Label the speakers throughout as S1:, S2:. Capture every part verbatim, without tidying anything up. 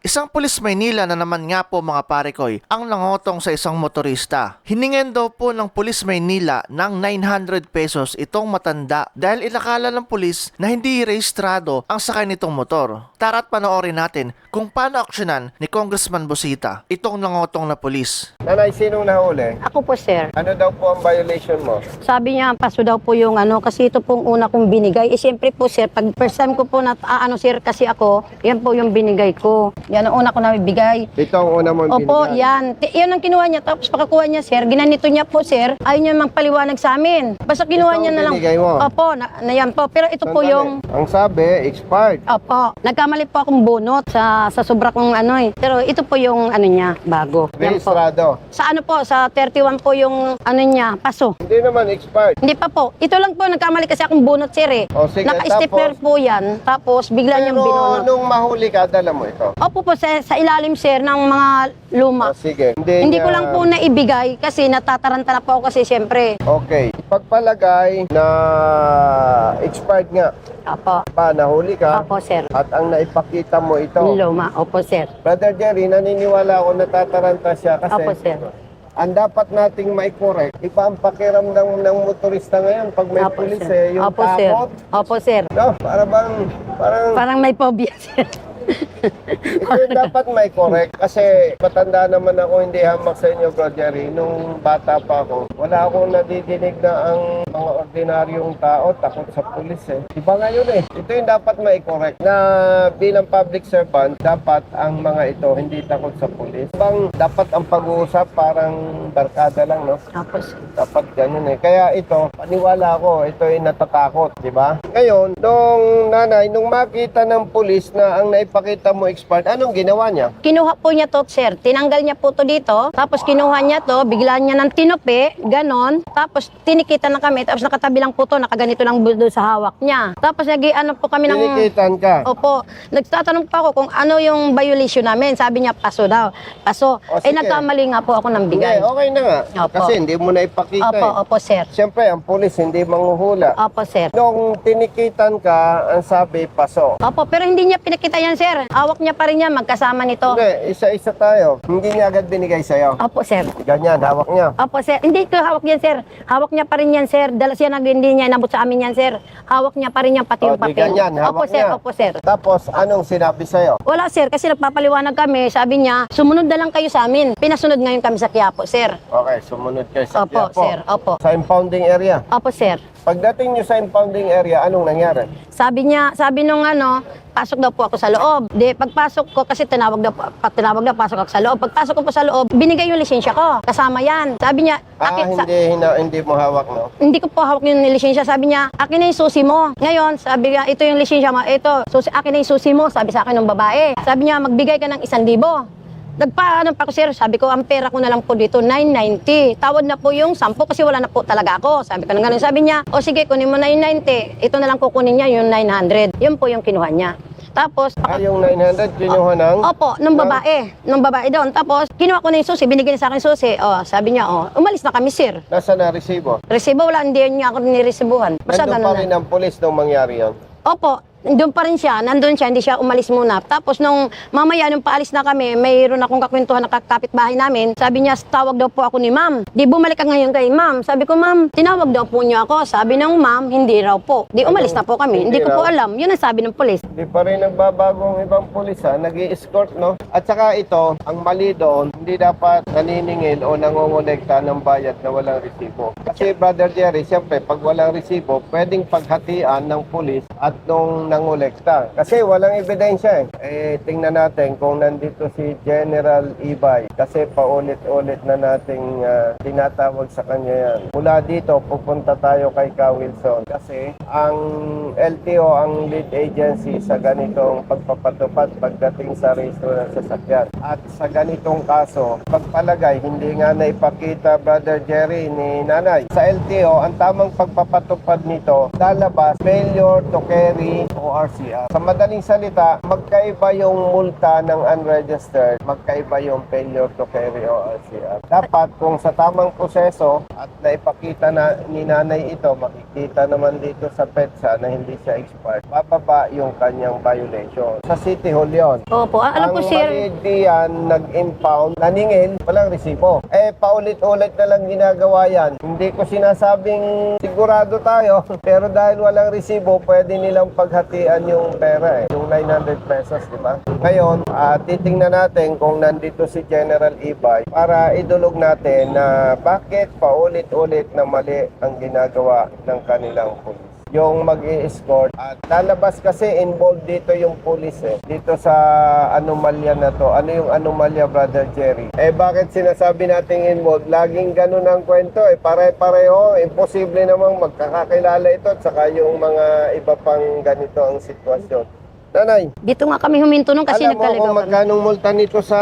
S1: Isang pulis Maynila na naman nga po mga parekoy ang nangotong sa isang motorista. Hiningan daw po ng pulis Maynila ng nine hundred pesos itong matanda dahil inakala ng pulis na hindi rehistrado ang sakay nitong motor. Tara't panoorin natin kung paano aksyonan ni Congressman Busita itong nangotong na pulis.
S2: Nanay, sinong nahuli?
S3: Ako po, sir.
S2: Ano daw po ang violation mo?
S3: Sabi niya, paso daw po yung ano, kasi ito pong una kong binigay. Eh, siyempre po, sir, pag first time ko po na, ah, ano, sir, kasi ako, yan po yung binigay ko. Yan ang una ko na bibigay.
S2: Ito ang una mong
S3: Opo,
S2: binigay.
S3: yan. T- yan ang kinuha niya. Tapos pagkakuha niya, sir, ginanito niya po, sir. Ayaw niya magpaliwanag sa amin. Basta kinuha
S2: Ito
S3: niya
S2: ang
S3: na lang.
S2: binigay mo?
S3: Opo, na, na yan po. Pero ito po
S2: Sandali.
S3: yung...
S2: Ang sabi, expired.
S3: Opo, nagkamali po akong bunot sa, sa sobra kong ano eh. Pero ito po yung ano niya, bago. Yan po.
S2: Rehistrado.
S3: Sa ano po, sa thirty-one po yung ano niya, paso.
S2: Hindi naman expired.
S3: Hindi pa po. Ito lang po, nagkamali kasi akong bunot, sir eh.
S2: O sige,
S3: Naka-stepper
S2: tapos?
S3: po yan. Tapos bigla niyang
S2: Pero
S3: binunot.
S2: nung mahuli ka, dala mo ito.
S3: Opo po, sa, sa ilalim, sir, ng mga luma.
S2: O sige. Hindi,
S3: Hindi
S2: niya-
S3: ko lang po naibigay kasi natataranta na po ako kasi siyempre.
S2: Okay. Pagpalagay na expired nga,
S3: Opo.
S2: pa nahuli ka,
S3: Opo, sir.
S2: at ang naipakita mo ito.
S3: Luma. Opo, sir.
S2: Brother Jerry, naniniwala ako natataranta siya kasi
S3: Opo, sir.
S2: ang dapat nating mai-correct, iba ang pakiramdam ng motorista ngayon pag may
S3: Opo,
S2: pulis
S3: sir.
S2: eh, yung
S3: Opo, sir.
S2: takot.
S3: Opo, sir.
S2: No, para bang, parang,
S3: Parang may phobia, sir.
S2: ito yung dapat mai-correct kasi matanda naman ako, hindi hamak sa inyo, Bro Jerry. Nung bata pa ako, wala akong nadidinig na ang mga ordinaryong tao takot sa pulis eh. Iba ngayon eh. Ito yung dapat mai-correct na bilang public servant, dapat ang mga ito hindi takot sa pulis. Bang dapat ang pag-uusap parang barkada lang, no?
S3: Opo, sir.
S2: Dapat ganun eh. Kaya ito, paniwala ko, ito ay natatakot, di ba? Ngayon, nung nanay, nung makita ng pulis na ang naipakita mo expired, anong ginawa niya?
S3: Kinuha po niya to, sir. Tinanggal niya po to dito. Tapos kinuha niya to, bigla niya ng tinupi, ganon. Tapos tinikita na kami. Tapos nakatabi lang po to, nakaganito lang doon sa hawak niya. Tapos nag ano po kami ng...
S2: Tinikitan ka.
S3: Opo. Nagtatanong pa ako kung ano yung violation namin. Sabi niya, paso daw. Paso.
S2: O,
S3: eh,
S2: sige.
S3: nagkamali nga po ako ng
S2: Hindi,
S3: bigay.
S2: okay na nga.
S3: Opo.
S2: Kasi hindi mo na ipakita
S3: Opo,
S2: eh.
S3: opo, sir.
S2: Siyempre, ang pulis hindi manghuhula.
S3: Opo, sir.
S2: Nung tinikitan ka, ang sabi, paso.
S3: Opo, pero hindi niya pinakita yan, sir. Hawak niya pa rin yan, magkasama nito.
S2: Hindi, isa-isa tayo. Hindi niya agad binigay sa'yo.
S3: Opo, sir.
S2: Ganyan, hawak niya.
S3: Opo, sir. Hindi ko hawak yan, sir. Hawak niya pa rin yan, sir. Dala siya nag hindi niya inabot sa amin yan, sir. Hawak niya pa rin yan, pati
S2: O,
S3: yung
S2: di
S3: papel.
S2: ganyan,
S3: Opo,
S2: hawak
S3: sir.
S2: niya.
S3: Opo, sir.
S2: Tapos, anong sinabi sa'yo?
S3: Wala, sir. Kasi nagpapaliwanag kami. Sabi niya, sumunod na lang kayo sa amin. Pinasunod ngayon kami sa Quiapo, sir.
S2: Okay, sumunod kayo sa
S3: Opo,
S2: Quiapo.
S3: sir. Opo.
S2: Sa impounding area.
S3: Opo, sir.
S2: Pagdating nyo sa impounding area, anong nangyari?
S3: Sabi niya, sabi nung ano, pasok daw po ako sa loob. Di, pagpasok ko, kasi tinawag daw, po- pa, tinawag daw, pasok ako sa loob. Pagpasok ko po sa loob, binigay yung lisensya ko. Kasama yan. Sabi niya,
S2: Ah,
S3: akin, sa,
S2: hindi, hina, hindi mo hawak, no?
S3: hindi ko po hawak yung lisensya. Sabi niya, akin na yung susi mo. Ngayon, sabi niya, ito yung lisensya mo. Ito, susi, akin na yung susi mo. Sabi sa akin ng babae. Sabi niya, magbigay ka ng isang libo. Nagpaano pa ako, sir. Sabi ko, ang pera ko na lang po dito, nine ninety. Tawad na po yung sampu kasi wala na po talaga ako. Sabi ko na ganun. Sabi niya, o sige, kunin mo nine ninety. Ito na lang kukunin niya, yung nine hundred. Yun po yung kinuha niya. Tapos,
S2: Ah, yung nine hundred, kinuha ng?
S3: opo, nung babae. Nung babae doon. Tapos, kinuha ko na yung susi. Binigyan niya sa akin yung susi. O, sabi niya, o, umalis na kami, sir.
S2: Nasa na resibo?
S3: Resibo, wala, hindi niya ako niresibuhan. Basta
S2: Nandun
S3: ganun
S2: pa
S3: na.
S2: rin ang pulis nung mangyari yun.
S3: Opo, doon pa rin siya, nandun siya, hindi siya umalis muna. Tapos nung mamaya, nung paalis na kami, mayroon akong kakwentuhan ng kapitbahay namin. Sabi niya, tawag daw po ako ni ma'am. Di bumalik ka ngayon kay ma'am. Sabi ko, ma'am, tinawag daw po niya ako. Sabi ng ma'am, hindi raw po. Di umalis na po kami.
S2: Hindi
S3: Hindi ko po
S2: raw?
S3: alam. Yun ang sabi ng pulis.
S2: Hindi pa rin nagbabagong ibang pulis ha, nag-i-escort no? At saka ito, ang mali doon, hindi dapat naniningil o nangongolekta ng bayad na walang resibo. Kasi Brother Jerry, siyempre pag walang resibo, pwedeng paghatian ng pulis at nung nangolekta. Kasi walang ebidensya eh. Eh, tingnan natin kung nandito si General Ibay. Kasi paulit-ulit na nating ah, tinatawag sa kanya yan. Mula dito, pupunta tayo kay Ka Wilson. Kasi ang L T O ang lead agency sa ganitong pagpapatupad pagdating sa rehistro ng sasakyan. At sa ganitong kaso, pagpalagay, hindi nga naipakita, Brother Jerry, ni Nanay. Sa L T O, ang tamang pagpapatupad nito, lalabas failure to carry O R C R. Sa madaling salita, magkaiba yung multa ng unregistered, magkaiba yung failure to carry O R C R. Dapat kung sa tamang proseso at naipakita na ni nanay ito, makikita naman dito sa PEDSA na hindi siya expired, bababa yung kanyang violation. Sa City Hall yun.
S3: Opo, ah, alam ko,
S2: Ang
S3: sir.
S2: maliit diyan, nag-impound, naningil, walang resibo. Eh, paulit-ulit na lang ginagawa yan. Hindi ko sinasabing sigurado tayo, pero dahil walang resibo, pwede nilang paghatian yung pera eh. Yung nine hundred pesos, di ba? Ngayon, ah, titingnan natin kung nandito si General Ibay para idulog natin na bakit paulit-ulit na mali ang ginagawa ng kanilang pulis. Yung mag-i-escort at lalabas kasi involved dito yung police eh. Dito sa anomalya na to. Ano yung anomalya, Brother Jerry? Eh bakit sinasabi nating involved? Laging ganun ang kwento eh. Pare-pareho. Imposible namang magkakakilala ito at saka yung mga iba pang ganito ang sitwasyon. Nanay,
S3: Dito nga kami huminto nung kasi
S2: alam mo
S3: nagkaligaw
S2: kung
S3: kami.
S2: magkanong multa nito sa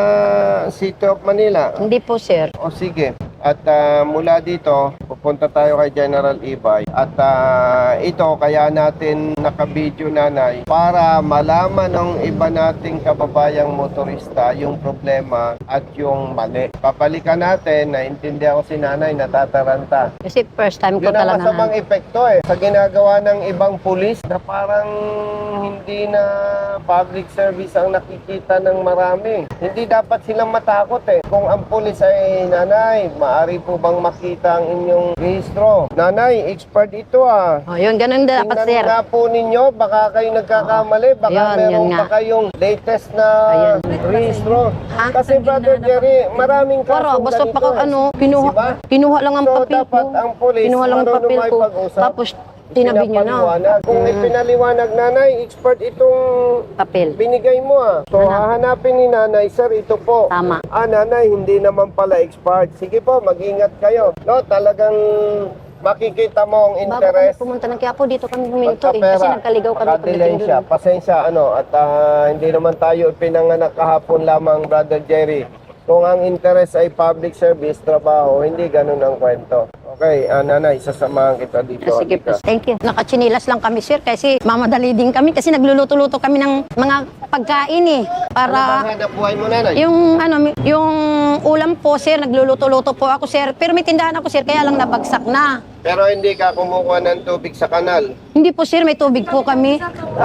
S2: City of Manila?
S3: Hindi po, sir.
S2: O sige. At ah, mula dito, pupunta tayo kay General Ibay. At ah, ito, kaya natin nakabidyo nanay para malaman ng iba nating kababayang motorista yung problema at yung mali. Papalikan natin, naintindihan ko si nanay, natataranta.
S3: Kasi first time ko
S2: Yun ang
S3: talaga.
S2: masamang epekto eh. Sa ginagawa ng ibang pulis na parang hindi na public service ang nakikita ng marami. Hindi dapat silang matakot eh. Kung ang pulis ay nanay, maaari po bang makita ang inyong rehistro? Nanay, expert ito ah.
S3: Oh, yun, ganun dapat,
S2: Tingnan
S3: sir.
S2: nga po ninyo, baka kayo nagkakamali, baka
S3: Yun,
S2: meron
S3: yun nga.
S2: pa kayong latest na
S3: Ayun.
S2: rehistro.
S3: Ha?
S2: Kasi Brother Jerry, maraming
S3: Para,
S2: kasong
S3: basta
S2: ganito
S3: pa kung
S2: eh.
S3: ano, kinuha,
S2: Diba?
S3: kinuha lang ang
S2: So,
S3: papel ko.
S2: dapat ang pulis,
S3: Kinuha lang ang
S2: marunong
S3: papel ko.
S2: makipag-usap.
S3: Tapos, tinabi niyo na.
S2: Pinapaliwanag. Kung
S3: Mm.
S2: ipinaliwanag nanay, expert itong
S3: Papel.
S2: binigay mo ah. So hahanapin ni nanay, sir, ito po.
S3: Tama.
S2: Ah, nanay, hindi naman pala expert. Sige po, mag-ingat kayo. No, talagang makikita mo ang
S3: Bago kami
S2: interest.
S3: pumunta ng Quiapo, dito kami huminto eh.
S2: Pagkapera,
S3: Kasi nagkaligaw kami
S2: makadelay
S3: pagdating
S2: siya.
S3: doon.
S2: Pasensya, ano, at ah, hindi naman tayo pinanganak kahapon lamang, Brother Jerry. Kung ang interest ay public service, trabaho, hindi ganun ang kwento. Okay, ah, nanay, sasamahan kita dito.
S3: Ah, sige po,
S2: Halika.
S3: thank you. Nakachinilas lang kami, sir, kasi mamadali din kami kasi nagluluto-luto kami ng mga pagkain eh.
S2: Ano ba
S3: Para
S2: hanap buhay mo, nanay?
S3: yung ano, yung ulam po, sir, nagluluto-luto po ako, sir. Pero may tindahan ako, sir, kaya lang nabagsak na.
S2: Pero hindi ka kumukuha ng tubig sa kanal.
S3: Hindi po, sir, may tubig po kami.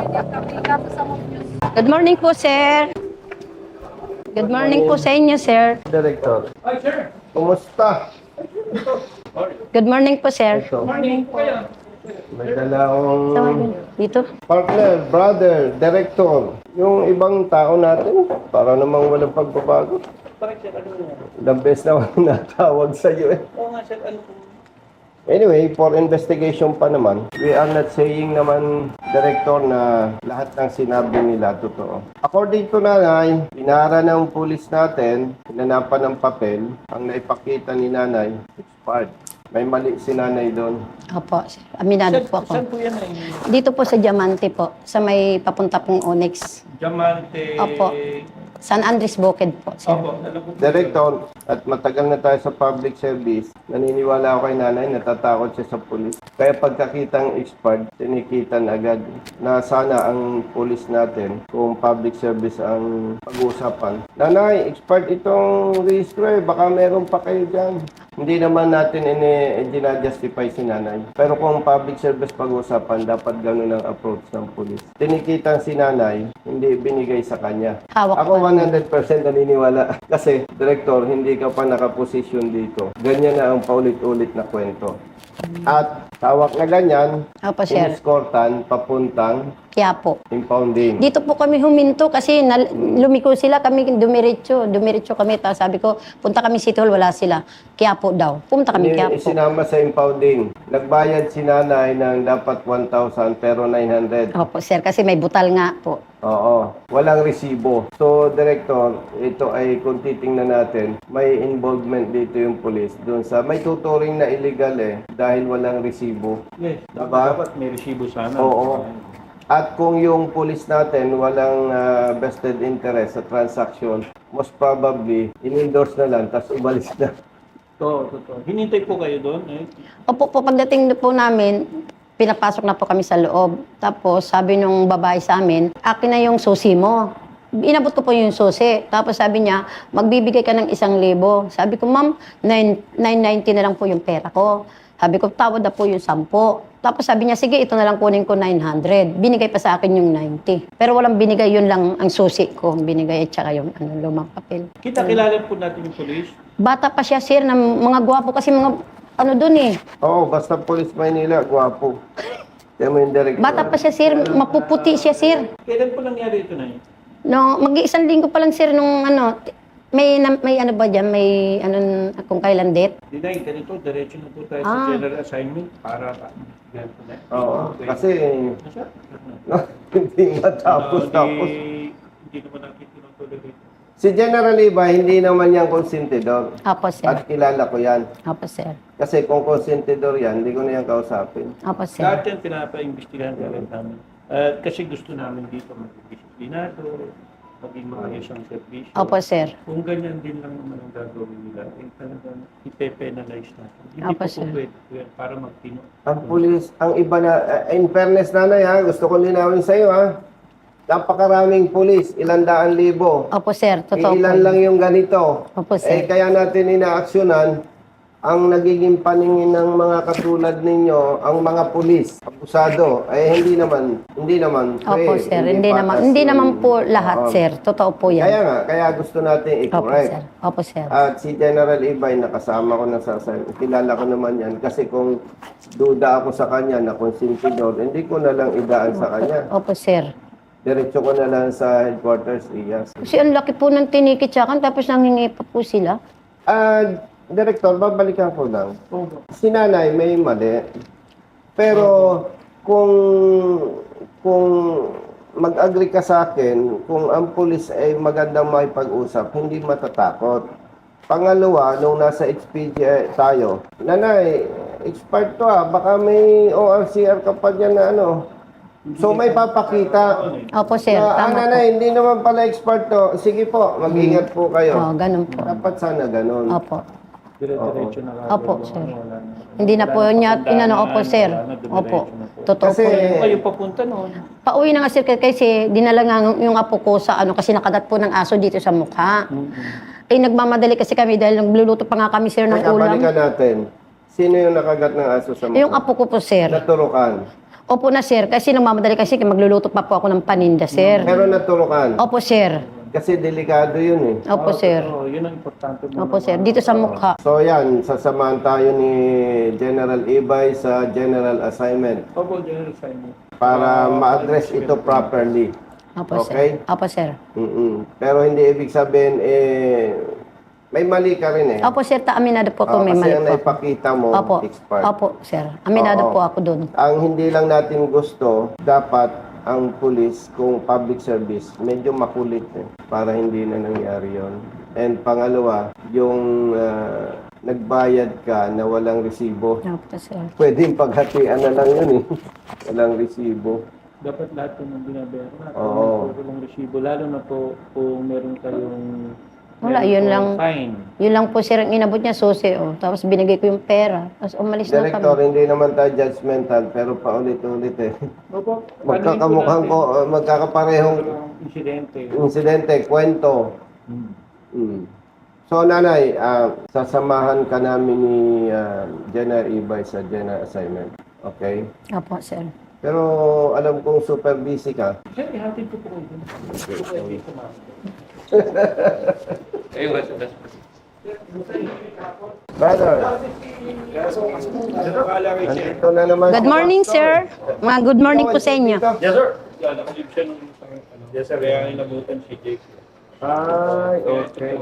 S3: Good morning po, sir. Good morning po sa inyo, sir.
S2: Director. Hi, sir. Kumusta?
S3: Good morning po, sir.
S2: Ito. Morning po. May dala akong
S3: Dito.
S2: partner, brother, director. Yung ibang tao natin, para namang walang pagbabago. The best na natawag sa iyo eh.
S4: Oo nga, sir. Ano po?
S2: Anyway, for investigation pa naman, we are not saying naman, Director, na lahat ng sinabi nila totoo. According to nanay, pinara ng pulis natin, pinanapan ng papel, ang naipakita ni nanay, expired. May mali si nanay doon.
S3: Opo, sir. Aminado
S4: Saan,
S3: po ako.
S4: saan po yan ay?
S3: Dito po sa Diamante po, sa may papunta pong Onyx.
S4: Diamante.
S3: Opo. San Andres Bukid po, sir.
S4: Opo, alam ko po.
S2: Director, at matagal na tayo sa public service, naniniwala ako kay nanay, natatakot siya sa pulis. Kaya pagkakitang expired, tinikitan agad na sana ang pulis natin, kung public service ang pag-uusapan. Nanay, expired itong registro eh, baka meron pa kayo dyan. Hindi naman natin ini-justify si nanay. Pero kung public service pag-uusapan, dapat ganun ang approach ng pulis. Tinikitan si nanay, hindi binigay sa kanya.
S3: Hawak
S2: Ako
S3: pa.
S2: one hundred percent naniniwala. Kasi, Director, hindi ka pa nakaposisyon dito. Ganyan na ang paulit-ulit na kwento. At tawag na ganyan,
S3: Opo, sir.
S2: iniskortan, papuntang
S3: Quiapo.
S2: impounding.
S3: Dito po kami huminto kasi nal- lumiko sila, kami dumiretso. Dumiretso kami. Tapos sabi ko, punta kami City Hall, wala sila. Quiapo daw. Pumunta kami
S2: Ni-
S3: Quiapo.
S2: Isinama sa impounding. Nagbayad si nanay ng dapat one thousand pero nine hundred.
S3: Opo, sir, kasi may butal nga po.
S2: Oo, walang resibo. So, Director, ito ay kung titingnan natin, may involvement dito yung police doon sa may tuturing na illegal eh dahil walang resibo.
S4: Yes,
S2: Diba?
S4: dapat, dapat may resibo sana.
S2: Oo. At kung yung police natin walang ah, vested interest sa transaction, most probably, in-endorse na lang, tapos umalis na.
S4: Totoo, totoo. Hinintay po kayo doon. Eh.
S3: Opo po, pagdating po namin, pinapasok na po kami sa loob. Tapos sabi nung babae sa amin, akin na yung susi mo. Inabot ko po yung susi. Tapos sabi niya, magbibigay ka ng isang libo. Sabi ko, ma'am, nine ninety na lang po yung pera ko. Sabi ko, tawad na po yung sampo. Tapos sabi niya, sige, ito na lang kunin ko nine hundred. Binigay pa sa akin yung ninety. Pero walang binigay, yun lang ang susi ko. Binigay at saka yung ano, lumang papel.
S4: Kita kilala po natin yung police.
S3: Bata pa siya, sir, na mga gwapo kasi mga ano dun eh.
S2: Oo, basta Police Maynila, gwapo. Kaya mo yung director.
S3: Bata pa siya, sir. Mapuputi siya, sir.
S4: Kailan po nangyari ito na yun?
S3: No, mag-iisang linggo pa lang, sir, nung ano, t- may, na- may ano ba dyan, may ano, kung kailan date.
S4: Dinay, ganito, diretso na po tayo
S3: Ah.
S4: sa general assignment para ganito na.
S2: Oo,
S4: Okay.
S2: kasi
S4: Nasa?
S2: hindi matapos
S4: Ah,
S2: tapos.
S4: di- Hindi naman natin tinutuloy dito.
S2: Si General Iba, hindi naman yan konsentidor.
S3: Apo, sir.
S2: At kilala ko yan.
S3: Apo, sir.
S2: Kasi kung konsentidor yan, hindi ko na yan kausapin.
S3: Apo, sir.
S4: Lahat yan pinapa-imbestigahan kagad namin. At kasi gusto namin dito maging disiplinado, maging maayos ang servisyo.
S3: Opo, sir.
S4: Kung ganyan din lang naman ang gagawin nila, eh talagang ipe-penalize natin. Hindi
S3: Opo,
S4: po po
S3: sir.
S4: pwede po yan para magtino.
S2: Ang pulis, ang iba na, uh, in fairness nanay ha, gusto ko linawin sa iyo ha. Napakaraming pulis, ilan daan libo.
S3: Opo, sir. Totoo
S2: Eh, ilan
S3: po.
S2: lang yung ganito.
S3: Opo,
S2: Eh,
S3: sir.
S2: kaya natin inaaksyonan ang nagiging paningin ng mga katulad ninyo, ang mga pulis, abusado, eh hindi naman, hindi naman.
S3: Opo,
S2: fair,
S3: sir. Hindi naman,
S2: patas
S3: hindi
S2: yung-
S3: naman po lahat,
S2: Oo.
S3: sir. Totoo po
S2: Kaya
S3: yan.
S2: nga, kaya gusto natin
S3: Opo,
S2: i-correct.
S3: sir. Opo, sir.
S2: At si General Ibay, nakasama ko na sa sa- kilala ko naman yan. Kasi kung duda ako sa kanya na konsentidor, hindi ko na lang idaan sa kanya.
S3: Opo, sir.
S2: Diretso ko na lang sa headquarters, Iyas.
S3: Kasi ang laki po ng tinikit sa akin, tapos nanghingi pa po sila.
S2: Ah, Director, babalikan ko lang.
S4: Oo.
S2: Si nanay may mali. Pero kung kung mag-agree ka sa akin, kung ang pulis ay magandang makipag-usap, hindi matatakot. Pangalawa, nung nasa H P G tayo, nanay, expired to ah, baka may O R C R ka pa dyan na ano. So may papakita.
S3: Opo, sir.
S2: Na, ah,
S3: Tama po.
S2: nanay, hindi naman pala expert to. Sige po, mag-ingat po kayo.
S3: Oo, ganun po.
S2: Dapat sana ganun.
S3: Opo.
S4: Dire-diretso na kagad.
S3: Opo,
S4: Wala
S3: sir.
S4: na-
S3: Hindi na
S4: wala
S3: po niya,
S4: patandaan,
S3: inano, opo, sir.
S4: wala na, dumiretso
S3: Opo.
S4: na po.
S3: Totoo
S2: Kasi-
S3: po.
S4: Kung kayo papunta noon,
S3: Pauwi na nga, sir, kasi dinala nga yung apo ko sa ano, kasi nakadat po ng aso dito sa mukha. Eh, nagmamadali kasi kami dahil nagluluto pa nga kami, sir, ng
S2: Teka,
S3: ulam.
S2: balikan natin. Sino yung nakagat ng aso sa mukha?
S3: Yung apo ko po, sir.
S2: Naturukan.
S3: Opo na, sir, kasi nagmamadali kasi magluluto pa po ako ng paninda, sir.
S2: Pero naturukan.
S3: Opo, sir.
S2: Kasi delikado yun eh.
S3: Opo, sir.
S4: oh, yun ang importante mo.
S3: Opo, sir. Dito sa mukha.
S2: So yan, sasamahan tayo ni General Ibay sa General Assignment
S4: Opo, General Simon.
S2: para ma-address ito properly.
S3: Opo,
S2: Okay.
S3: sir. Opo, sir.
S2: Mm-mm. Pero hindi ibig sabihin, eh, may mali ka rin eh.
S3: Opo, sir. Ta aminado po
S2: Oo,
S3: ko, may
S2: kasi
S3: mali
S2: ang
S3: po. ako.
S2: naipakita mo,
S3: Opo.
S2: expired.
S3: Opo, sir. Aminado
S2: Oo.
S3: po ako doon.
S2: Ang hindi lang natin gusto, dapat ang pulis, kung public service, medyo makulit eh, para hindi na nangyari yon. And pangalawa, yung ah, nagbayad ka na walang resibo,
S3: Opo, sir.
S2: pwedeng paghatian na lang yun eh. Walang resibo.
S4: Dapat lahat po ng binabayaran natin.
S2: Oo.
S4: Puro lang resibo. Lalo na po kung meron kayong
S3: Wala,
S4: meron
S3: yun
S4: po
S3: lang.
S4: fine.
S3: Yun lang po, sir, ang inabot niya, susi, oh. Tapos binigay ko yung pera. Tapos umalis na
S2: Director,
S3: kami.
S2: hindi naman tayo judgmental, pero paulit-ulit eh.
S4: Opo.
S2: Magkakamukhang ko, ah, magkakaparehong
S4: Insidente.
S2: insidente, kwento.
S4: Hmm.
S2: Mm. So, nanay, ah, sasamahan ka namin ni ah, General Ibay sa General Assignment. Okay?
S3: Opo, sir.
S2: Pero alam kong super busy ka.
S4: Sir, ihatid ko po kayo. Hindi ko kayo dito, ma'am.
S2: Brother,
S4: Akala kay Sir.
S2: nandito na naman.
S3: Good
S2: si
S3: morning,
S2: Pastor.
S3: sir. Mga good morning po sa inyo.
S2: Dito.
S4: Yes, sir. Yeah, nakalib siya nung isang ano. Yes, sir. Kaya inabutan si Jake.
S2: Ay, okay.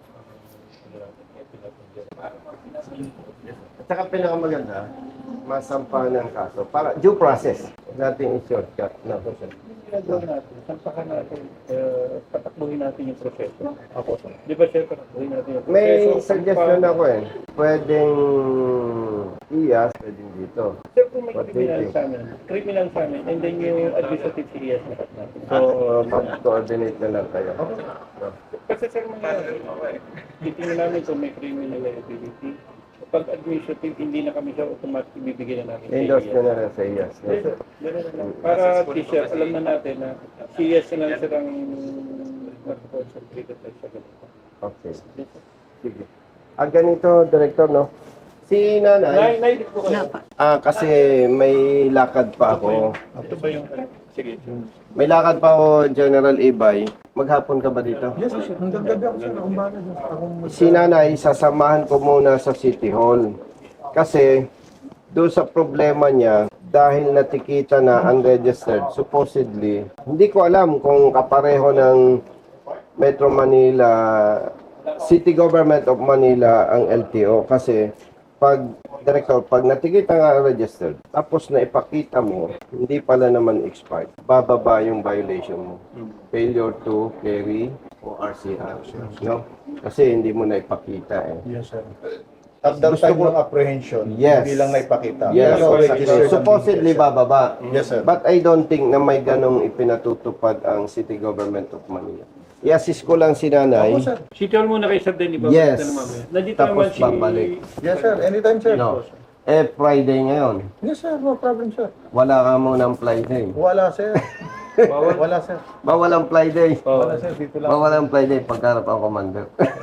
S2: At saka pinakamaganda, masampahan ng kaso. Para due process. Huwag natin i-shortcut. No.
S4: Ginagawa natin, sampakan natin, uh, patakbuhin natin yung proseso. Ako, sir. Di ba, sir, patakbuhin natin yung proseso?
S2: May suggestion ako eh. Pwedeng iyas, pwedeng dito.
S4: Sir, kung may
S2: What do you
S4: criminal
S2: think?
S4: sa amin, criminal sa amin, and then yung administrative C S lahat natin.
S2: So, mag-coordinate na lang kayo. No.
S4: Kasi sir, mga titingnan namin kung may criminal liability. Pag administrative, hindi na kami siya automatic ibibigay na namin.
S2: Endorse ko na lang sa I A S. No?
S4: Ganun na lang. Para t-shirt, alam na natin na si yes na lang sirang mag-concentrate sa ganito.
S2: Okay. Sige. Ah, ganito, Director, no? Si Nanay,
S4: Nay, nay, dito ko kayo.
S2: ah, kasi may lakad pa ako.
S4: Ito ba yung, sige.
S2: May lakad pa ako, General Ibay. Maghapon ka ba dito?
S5: Yes, sir. Hanggang gabi ako, sir. Akong bahala dyan. Akong
S2: Si Nanay, sasamahan ko muna sa City Hall. Kasi, doon sa problema niya, dahil natikita na unregistered, supposedly, hindi ko alam kung kapareho ng Metro Manila, City Government of Manila ang L T O. Kasi, pag, Director, pag natikita nga registered, tapos na ipakita mo, hindi pala naman expired, bababa yung violation mo. Failure to carry o R C R. No? Kasi hindi mo na ipakita eh.
S5: Yes, sir. At that
S2: Gusto
S5: time
S2: ko-
S5: ng apprehension,
S2: Yes.
S5: hindi lang naipakita.
S2: Yes,
S5: Pero
S2: exactly.
S5: registered
S2: Supposedly
S5: ang-
S2: bababa.
S5: Yes, sir.
S2: But I don't think na may ganong ipinatutupad ang City Government of Manila. I-assist ko lang si Nanay.
S5: Opo, sir.
S4: City Hall muna kay Sir Denny. babalik
S2: Yes.
S4: na naman mamaya. Nandito
S2: Tapos
S4: naman si...
S2: babalik.
S5: Yes, sir. Anytime, sir.
S2: No. Eh, Friday ngayon.
S5: Yes, sir. No problem, sir.
S2: Wala ka munang Friday.
S5: Wala, sir.
S4: Bawal.
S5: Wala, sir.
S2: Bawal ang Friday.
S5: Wala, sir. Dito lang.
S2: Bawal ang Friday pagkarap ang commander.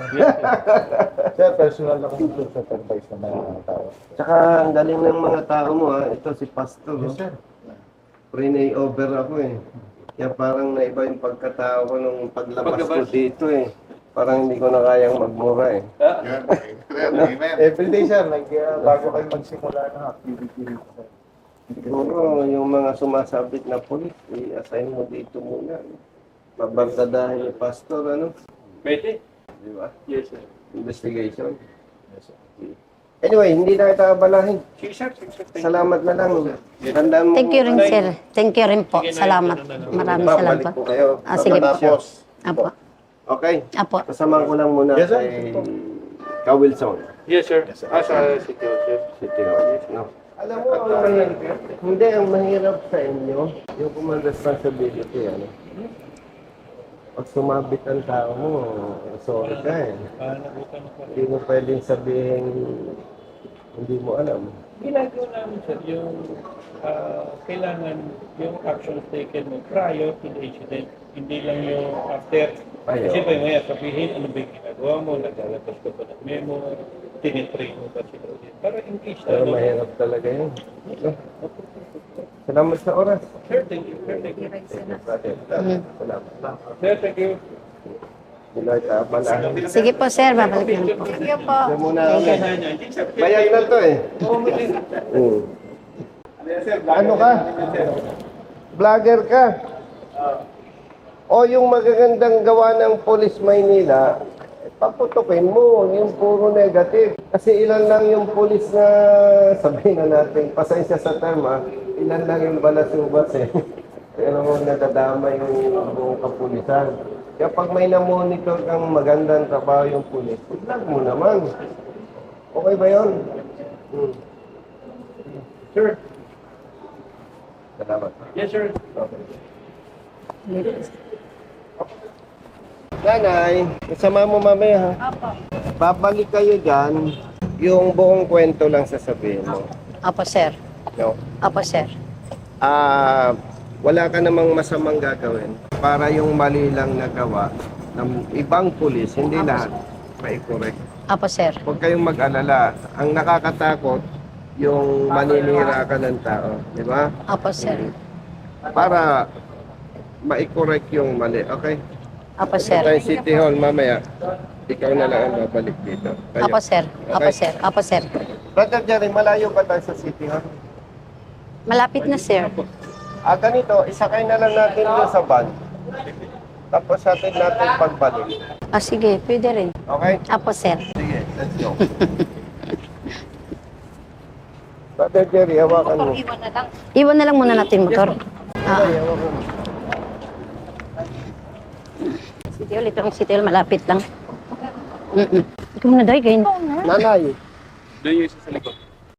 S5: Sir, personal na kung sa advice ng mga tao.
S2: Tsaka ang galing ng mga tao mo ha. Ito si Pastor.
S5: Yes,
S2: oh.
S5: sir.
S2: Pre-nay over ako eh. Kaya parang naiba yung pagkatao ko nung paglabas ko
S4: Paglabas.
S2: dito eh. Parang hindi ko na kayang magmura eh.
S5: Every day, sir. Like, uh, bago kayo magsimula ng activity rito, sir.
S2: Siguro yung mga sumasabit na pulis, i-assign mo dito muna. Babagdadahin ni Pastor, ano?
S4: Pwede?
S2: Di ba?
S4: Yes, sir.
S2: Investigation.
S5: Yes, sir.
S2: Anyway, hindi na kita abalahin.
S4: Sige, sir. Sige, sir. Thank you.
S2: Salamat na lang. Tandaan mo.
S3: Thank you rin, sir. Thank you rin po.
S4: Sige, Nay.
S3: Salamat. Maraming salamat
S2: Babalik
S3: po.
S2: po kayo.
S3: Ah, sige po.
S2: Tapos,
S3: Apo.
S2: okay.
S3: Apo.
S2: Kasama ko lang muna
S5: Yes, sir.
S2: kay Ka-Wilson.
S4: Yes, sir. Ah, sa City Hall, sir.
S2: City Hall. No. Alam mo, ang mahirap, hindi, ang mahirap sa inyo, yung command responsibility, ano? Pag sumabit ang tao mo, sorry ka eh.
S4: Ah, nabutan ako.
S2: Hindi mo pwedeng sabihin, hindi mo alam.
S4: Ginagawa namin, sir, yung ah, kailangan yung actions taken mo prior to the incident. Hindi lang yung after.
S2: Ay,
S4: Kasi
S2: oo.
S4: pa maya sabihin, ano ba yung ginagawa mo, naglalabas ka ba ng memo, tinitrain mo ba sila ulit. Para in case na,
S2: Pero
S4: ano,
S2: mahirap talaga yun. No? Salamat sa oras.
S4: sir, thank you, sir, thank you.
S2: Brother, salamat.
S4: Sir, thank you.
S2: Hindi na kita abalahin.
S3: Sige po, sir. Babalik na po.
S2: Ito muna
S3: Thank you.
S2: kami. Bayad na to eh. Mm. Ano ka? Vlogger ka? O yung magagandang gawa ng Police Maynila, eh, paputukin mo, yung puro negative. Kasi ilan lang yung police na, sabihin na natin, pasensya sa term ha, ilan lang yung balasubas eh. Pero nadadama yung buong kapulisan. Kaya pag may na-monitor kang magandang trabaho yung pulis, vlog mo naman. Okay ba yun? Hmm.
S4: Sir,
S2: Salamat.
S4: yes, sir.
S2: Okay. Nanay, kasama mo mamaya ha? Babalik kayo dyan, yung buong kwento lang sasabihin mo.
S3: Apo, sir.
S2: No?
S3: Apo, sir.
S2: Ah, wala ka namang masamang gagawin para yung mali lang nagawa ng ibang pulis, hindi lahat, mai-correct.
S3: Apo, sir.
S2: Huwag kayong mag-alala. Ang nakakatakot, yung maninira ka ng tao. Di ba?
S3: Apo, sir.
S2: Para mai-correct yung mali. Okay?
S3: Apo,
S2: Sa
S3: sir.
S2: City Hall mamaya, ikaw na lang ang babalik dito. Kayo.
S3: Apo, sir. Apo, sir. Apo, sir.
S2: Brother Jerry, malayo ba tayo sa City Hall?
S3: Malapit na, sir.
S2: Ah, ganito, isakay na lang natin doon sa van. Tapos natin natin pagbalik.
S3: Ah, sige. Pwede rin.
S2: Okay?
S3: Apo, sir.
S2: Sige, let's go. Brother Jerry, hawakan mo.
S3: Iwan na lang muna natin motor. Ah,
S2: Ay, hawakan mo.
S3: City Hall. Ito ang City Hall. Malapit lang. Mm-mm. Ikaw na, Day. Ganyan.
S2: Nanay,
S4: Doon yung isa sa likod.